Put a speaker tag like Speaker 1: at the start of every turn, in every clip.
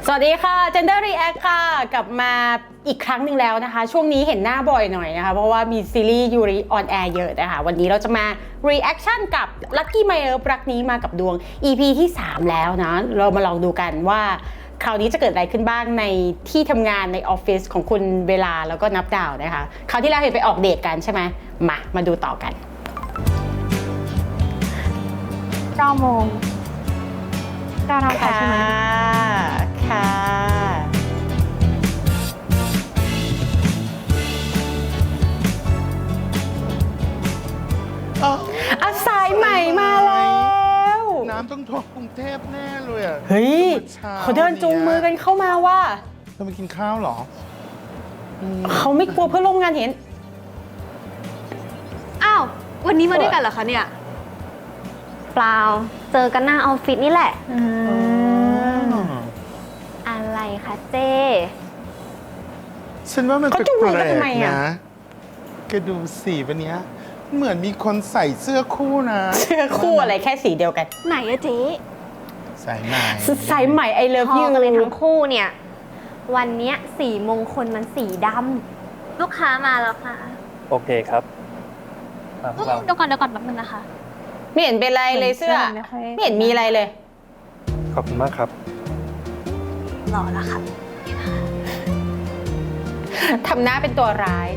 Speaker 1: สวัสดีค่ะ Gender React ค่ะกลับมาอีกครั้งหนึ่งแล้วนะคะช่วงนี้เห็นหน้าบ่อยหน่อยนะคะเพราะว่ามีซีรีส์ยูริออนแอร์เยอะนะคะวันนี้เราจะมา reaction กับ Lucky My Love รักนี้มากับดวง EP ที่ 3 แล้วนะเรามาลองดูกันว่าคราวนี้จะเกิดอะไรขึ้นบ้างในที่ทำงานในออฟฟิศของคุณเวลาแล้วก็นับดาวนะคะคราวที่แล้วเห็นไปออกเดทกันใช่ไหมมาดูต่อกัน
Speaker 2: 9 โมง9เท่ากันใช่ไหม
Speaker 1: ค่ะอาสายใหม่มาแล้ว
Speaker 3: น้ำต้องท่วมกรุงเทพแน่เลยอ่ะ
Speaker 1: เฮ้ยเขาเดินจูงมือกันเข้ามาว่า
Speaker 3: จะมากินข้าวเหรอ
Speaker 1: เขาไม่กลัวเพื่อนร่วมงานเห็น
Speaker 2: อ้าววันนี้มาด้วยกันเหรอคะเนี่ย
Speaker 4: เปล่าเจอกันหน้าออฟฟิศนี่แหละอะไรคะเจ้
Speaker 3: ฉันว่ามันแปลกๆนะแกดูสีวันนี้เหมือนมีคนใส่เสื้อคู่นะ
Speaker 1: เสื้อคู่อะไรแค่สีเดียวกัน
Speaker 4: ไหนอะเจ๊
Speaker 3: สายใหม่
Speaker 1: I love you
Speaker 4: กันเลยทั้งคู่เนี่ยวันเนี้ยสีมงคลมันสีดำลูกค้ามาแล้วค่ะ
Speaker 5: โอเคครับ
Speaker 2: เดี๋ยวก่อนแป๊บนึงนะคะ
Speaker 1: ไม่เห็นเป็นไรเลยเสื้อไม่เห็นมีอะไรเลย
Speaker 5: ขอบคุณมากครับ
Speaker 4: หล่อแล้วค่ะ
Speaker 1: ทำหน้าเป็นตัวร้าย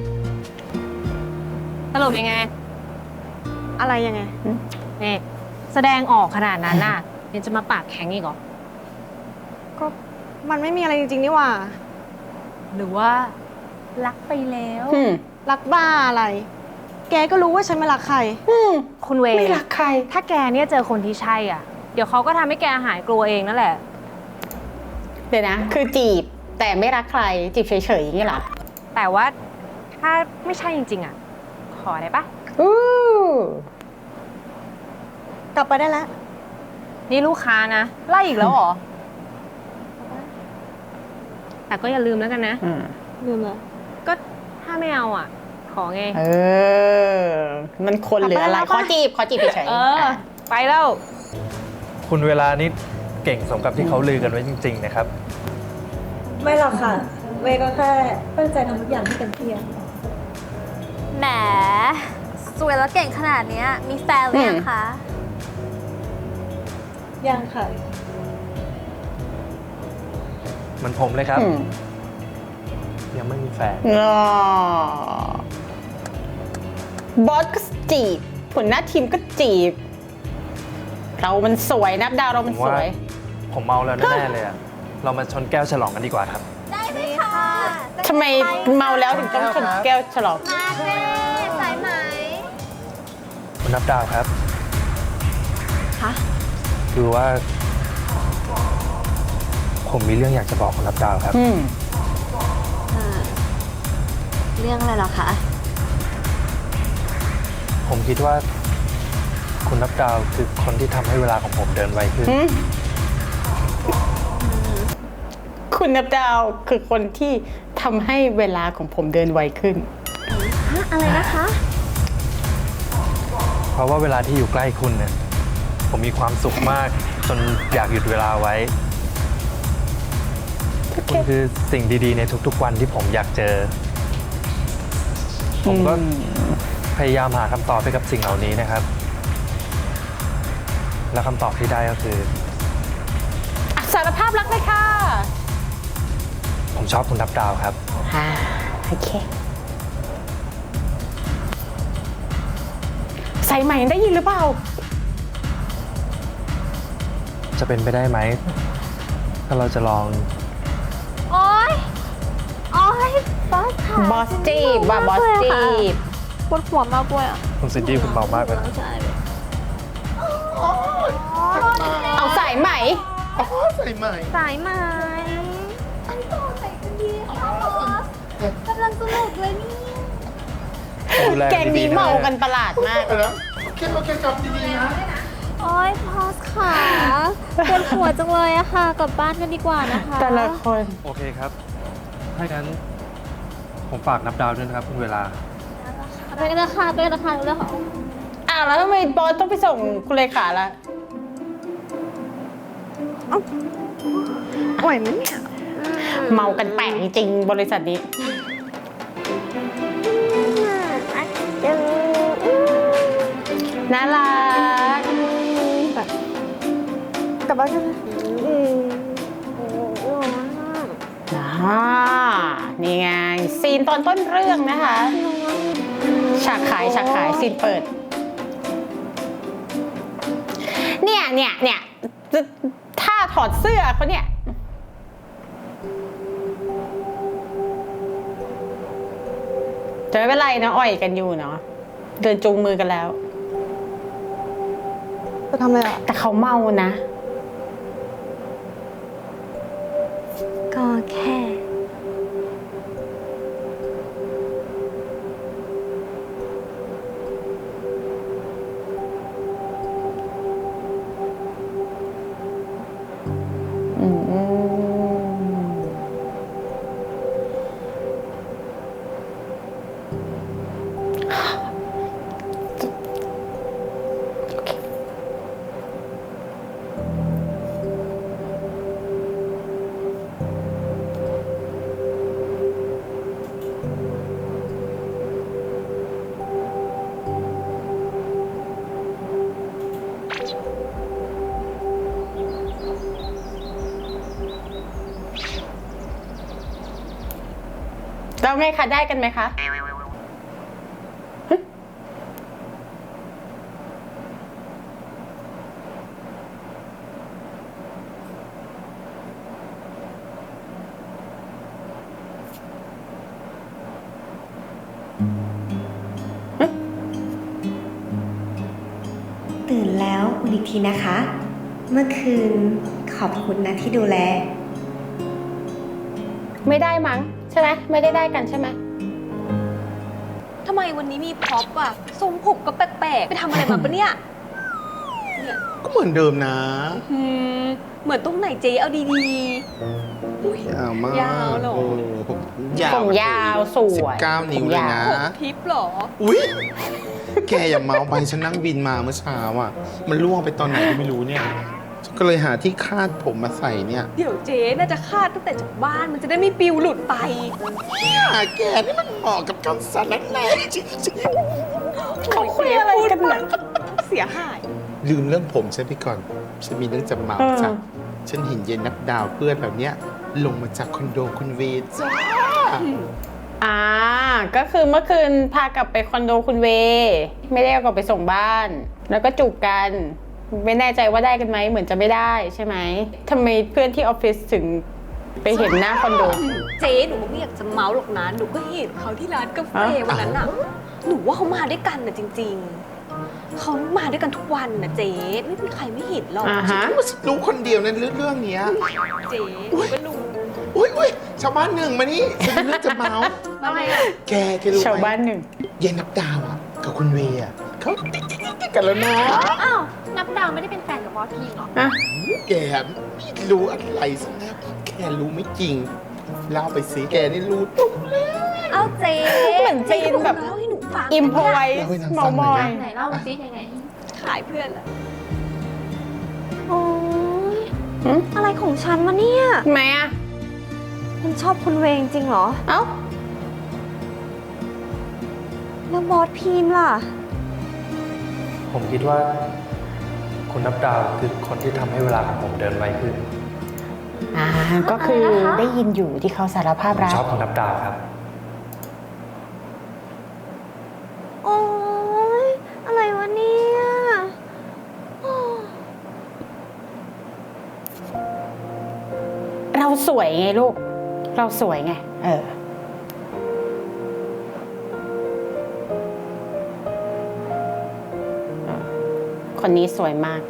Speaker 2: สรุปยังไงอะไรยังไงนี่แสดงออกขนาดนั้นน่ะยังจะมาปากแข็งอีกเหรอก็มันไม่มีอะไรจริงๆนี่หว่าหรือว่ารักไปแล้วรักบ้าอะไรแกก็รู้ว่าฉันไม่รักใคร
Speaker 4: คุณเว
Speaker 1: ไม่รักใคร
Speaker 2: ถ้าแกเนี่ยเจอคนที่ใช่อ่ะเดี๋ยวเขาก็ทำให้แกหายกลัวเองนั่นแหละ
Speaker 1: เดี๋ยวนะคือจีบแต่ไม่รักใครจีบเฉยๆอย่างนี้เหรอ
Speaker 2: แต่ว่าถ้าไม่ใช่จริงๆอ่ะขอได้ปะ
Speaker 4: กลับไปได้แล้ว
Speaker 2: นี่ลูกค้านะไล่อีกแล้วเหรอแต่ก็อย่าลืมแล้วกันนะ
Speaker 4: ลืมเลย
Speaker 2: ก็ถ้าไม่เอาอ่ะขอไง
Speaker 1: มันคนหรืออะไรขอจีบเฉย
Speaker 2: ๆไปแล้ว
Speaker 5: คุณเวลานี้เก่งสมกับที่เขาลือกันไว้จริงๆนะครับ
Speaker 6: ไม่หรอกค่ะเวก็แค่ตั้งใจทำทุกอย่างให้เต็มที่
Speaker 4: แหมสวยแล้วเก่งขนาดนี้มีแฟนหรือยังคะ
Speaker 6: ยังค่ะ
Speaker 5: เหมือนผมเลยครับยังไม่มีแฟน
Speaker 1: บอสก็จีบหัวหน้าทีมก็จีบเรามันสวยนับดาวเรามันสวย
Speaker 5: ผมเมาแล้วแน่ๆเลยอะเรามาชนแก้วฉลองกันดีกว่าครับ
Speaker 4: ได้ไหมคะ
Speaker 1: ทำไมเมาแล้วถึงต้องชนแก้วฉลอง
Speaker 4: มาเจ้สายไหม
Speaker 5: คุณนับดาวครับ
Speaker 4: คะ
Speaker 5: คือว่าผมมีเรื่องอยากจะบอกคุณนับดาวครับ
Speaker 4: เรื่องอะไรหรอคะ
Speaker 5: ผมคิดว่าคุณนับดาวคือคนที่ทำให้เวลาของผมเดินไวขึ้น
Speaker 1: คุณนับดาวคือคนที่ทำให้เวลาของผมเดินไวขึ้น
Speaker 4: อะไรนะคะ
Speaker 5: เพราะว่าเวลาที่อยู่ใกล้คุณเนี่ยผมมีความสุขมากจนอยากหยุดเวลาไว้คุณคือสิ่งดีๆในทุกๆวันที่ผมอยากเจอผมก็พยายามหาคำตอบให้กับสิ่งเหล่านี้นะครับและคำตอบที่ได้ก็คือ
Speaker 1: สารภาพรักเลยค่ะ
Speaker 5: ผมชอบคุณนับดาวครับ
Speaker 1: โอเคใส่ใหม่ได้ยินหรือเปล่า
Speaker 5: จะเป็นไปได้ไหมถ้าเราจะลอง
Speaker 4: โอ๊ยบอสค่ะ
Speaker 1: บอสจีบว่าบอสจีบ
Speaker 4: ปวดหัวมากเลยอ่ะ
Speaker 5: คุณซินดี้คุณเมามากเลย
Speaker 1: เอาสายใหม่
Speaker 3: ใส่ใหม่
Speaker 4: อันต่อใส่กันดีค่ะบอสกำลังสนุกเลยนี่
Speaker 1: แกงนี้เมากันประหลาดมาก
Speaker 3: แล้วโอเคกลับดีๆนะ
Speaker 4: โอ๊ยบอสค่ะปวดหัวจังเลยอะค่ะกลับบ้านกันดีกว่านะคะ
Speaker 1: แต่ละคน
Speaker 5: โอเคครับถ้างั้นผมฝากนับดาวด้วยนะครับคุณเวลา
Speaker 4: ไปกันนะคะเรื่องของ
Speaker 1: แล้วทำไมบอสต้องไปส่งคุณเลขาล่ะ
Speaker 2: ร่อยไหมเนี่ย
Speaker 1: เมากันแปลกจริงๆบริษัทนี้ น่ารัก
Speaker 2: แบบกลับบ้านกันนะ
Speaker 1: นี่ไง ซีนตอนต้นเรื่องนะคะ ฉากขายซีนเปิด เนี่ยถ้าถอดเสื้อเขาเนี่ยจะไม่เป็นไรนะอ่อยกันอยู่เนาะเดินจูงมือกันแล้ว
Speaker 2: จะทำอะไรอ่ะ
Speaker 1: แต่เขาเมานะ
Speaker 4: ก็แค่
Speaker 1: อืมแล้วไงคะได้กันไหมคะ
Speaker 6: ตื่นแล้วอุ่นอีกทีนะคะ เมื่อคืนขอบคุณนะที่ดูแล
Speaker 1: ไม่ได้มั้งใช่ไหมไม่ได้กันใช่ไหม
Speaker 2: ทำไมวันนี้มีพร็อพอ่ะทรงผมก็แปลกๆ ไปทำอะไรมาปะเนี่ย
Speaker 3: ก็เหมือนเดิมนะ
Speaker 2: เหมือนตรงไหนเจ๊เอาดี
Speaker 3: ยาวมาก
Speaker 2: ยาวเหรอ
Speaker 3: โอ้ยาว
Speaker 1: ผมยาวสวย
Speaker 3: 19 นิ้วเลยนะ
Speaker 2: ๆผมทิปเหรอ
Speaker 3: อุ๊ย แกอย่าเมาไปฉันนั่งบินมาเมื่อเช้าอ่ะ มันล่วงไปตอนไหนก็ไม่รู้เนี่ยฉันก็เลยหาที่คาดผมมาใส่เนี่ย
Speaker 2: เดี๋ยวเจ๊น่าจะคาดตั้งแต่จากบ้านมันจะได้ไม่ปิวหลุดไป
Speaker 3: แกนี่มันเหมาะกับการสารแหน่จริง
Speaker 1: เขาคุยอะไรกันเนี่ย
Speaker 2: เสียหาย
Speaker 3: ๆลืมเรื่องผมฉันไปก่อน ฉันมีเรื่องจะเมาจ้ะฉันเห็นเย็นนับดาวเพื่อนแบบเนี้ยลงมาจากคอนโดคุณเวย์จ้า
Speaker 1: ก็คือเมื่อคืนพากลับไปคอนโดคุณเว ไม่ได้เอากลับไปส่งบ้าน แล้วก็จูบกัน ไม่แน่ใจว่าได้กันไหมเหมือนจะไม่ได้ใช่ไหมทำไมเพื่อนที่ออฟฟิศถึงไปเห็นหน้าคอนโด
Speaker 2: เจ๊หนูก็ไม่อยากจะเมาหรอกนะหนูก็เห็นเขาที่ร้านกาแฟ
Speaker 1: อ่ะ
Speaker 2: วันนั้นน่ะ หนูว่าเขามาด้วยกันนะจริง ๆ เขามาด้วยกันทุกวันนะเจ๊ไม่มีใครไม่เห็นหรอก
Speaker 1: อ่าฮะ
Speaker 3: รู้คนเดียวในเรื่องเนี้ย
Speaker 2: เจ๊หนูก็รู้
Speaker 3: อุ้ยชาวบ้านหนึ่งมานี่ฉันมีเรื่องจะเมา
Speaker 2: อะไรอ่ะ
Speaker 3: แกรู้ไหม
Speaker 1: ชาวบ้านหนึ่ง
Speaker 3: เย็นนับดาวอ่ะกับคุณเวย์อ่ะเขาติดกันแล้วนะ
Speaker 4: อ้าว นับดาวไม่ได้เป็นแฟนกับบอสพีหรอ
Speaker 1: อ่ะ
Speaker 3: แกไม่รู้อะไรสักนะแกรู้ไม่จริงเล่าไปสิแกนี่รู้ตุ๊บเลย
Speaker 2: เอาเจ๊
Speaker 1: เหมือนจีนแบบ
Speaker 2: เล่าให้หนูฟัง
Speaker 1: อิมพอไว้
Speaker 3: เล่าให้นาง
Speaker 1: เมา
Speaker 3: ฟังห
Speaker 1: ม
Speaker 3: น่
Speaker 1: อ
Speaker 3: อย
Speaker 1: ย
Speaker 3: นะ
Speaker 4: ไหนเล่ามาซิยังไง
Speaker 2: ขายเพื่อนละ
Speaker 6: โอ๊ย
Speaker 1: หืม
Speaker 6: อะไรของฉันวะเนี่ย
Speaker 1: ทำไมอ่ะ
Speaker 6: มันชอบคุณเวงจริงเหรอ
Speaker 1: เอ้า
Speaker 6: แล้วบอสพีมล่ะ
Speaker 5: ผมคิดว่า คุณนับดาวคือคนที่ทำให้เวลาของผมเดินไวขึ้น
Speaker 1: ก็คือได้ยินอยู่ที่เขาสารภาพ
Speaker 5: ผม
Speaker 1: รัก
Speaker 5: ชอบคุณนับดาวครับ
Speaker 6: โอ๊ย อะไรวะเนี่ยโอ้
Speaker 1: เราสวยไงลูก เราสวยไง คนนี้สวยมาก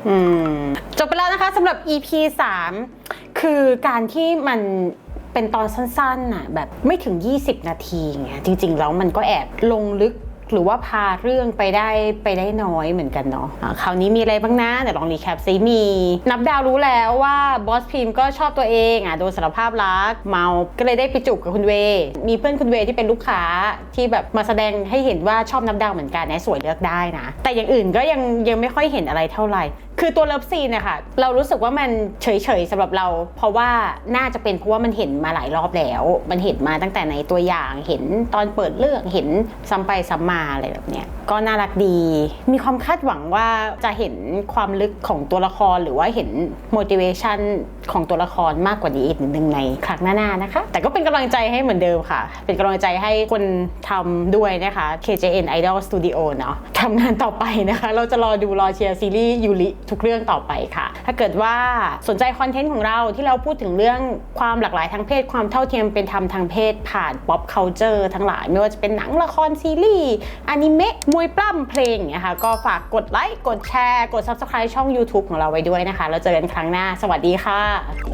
Speaker 1: จบไปแล้วนะคะสำหรับ EP 3 คือการที่มันเป็นตอนสั้นๆน่ะแบบไม่ถึง 20 นาทีไงจริงๆแล้วมันก็แอบลงลึกหรือว่าพาเรื่องไปได้น้อยเหมือนกันเนาะคราวนี้มีอะไรบ้างนะเดี๋ยวลองรีแคปซิมีนับดาวรู้แล้วว่าบอสพิมก็ชอบตัวเองโดนสารภาพรักเมาก็เลยได้ไปจูบกับคุณเวมีเพื่อนคุณเวที่เป็นลูกค้าที่แบบมาแสดงให้เห็นว่าชอบนับดาวเหมือนกันนะสวยเลือกได้นะแต่อย่างอื่นก็ยังไม่ค่อยเห็นอะไรเท่าไหร่คือตัวเลิฟซีนนะคะเรารู้สึกว่ามันเฉยๆสำหรับเราเพราะว่าน่าจะเป็นเพราะว่ามันเห็นมาหลายรอบแล้วมันเห็นมาตั้งแต่ในตัวอย่างเห็นตอนเปิดเรื่องเห็นซ้ำไปซ้ำมาอะไรแบบเนี้ยก็น่ารักดีมีความคาดหวังว่าจะเห็นความลึกของตัวละครหรือว่าเห็น motivation ของตัวละครมากกว่านี้อีกนิดนึงในครั้งหน้าๆนะคะแต่ก็เป็นกำลังใจให้เหมือนเดิมค่ะเป็นกำลังใจให้คนทำด้วยนะคะ KJN Idol Studio เนาะทำงานต่อไปนะคะเราจะรอเชียร์ซีรีส์ยูริทุกเรื่องต่อไปค่ะถ้าเกิดว่าสนใจคอนเทนต์ของเราที่เราพูดถึงเรื่องความหลากหลายทางเพศความเท่าเทียมเป็นธรรมทางเพศผ่าน pop culture ทั้งหลายไม่ว่าจะเป็นหนังละครซีรีส์อนิเมะมวยปล้ำเพลงเนี่ยค่ะก็ฝากกดไลค์กดแชร์กด Subscribe ช่อง YouTube ของเราไว้ด้วยนะคะแล้วเจอกันครั้งหน้าสวัสดีค่ะ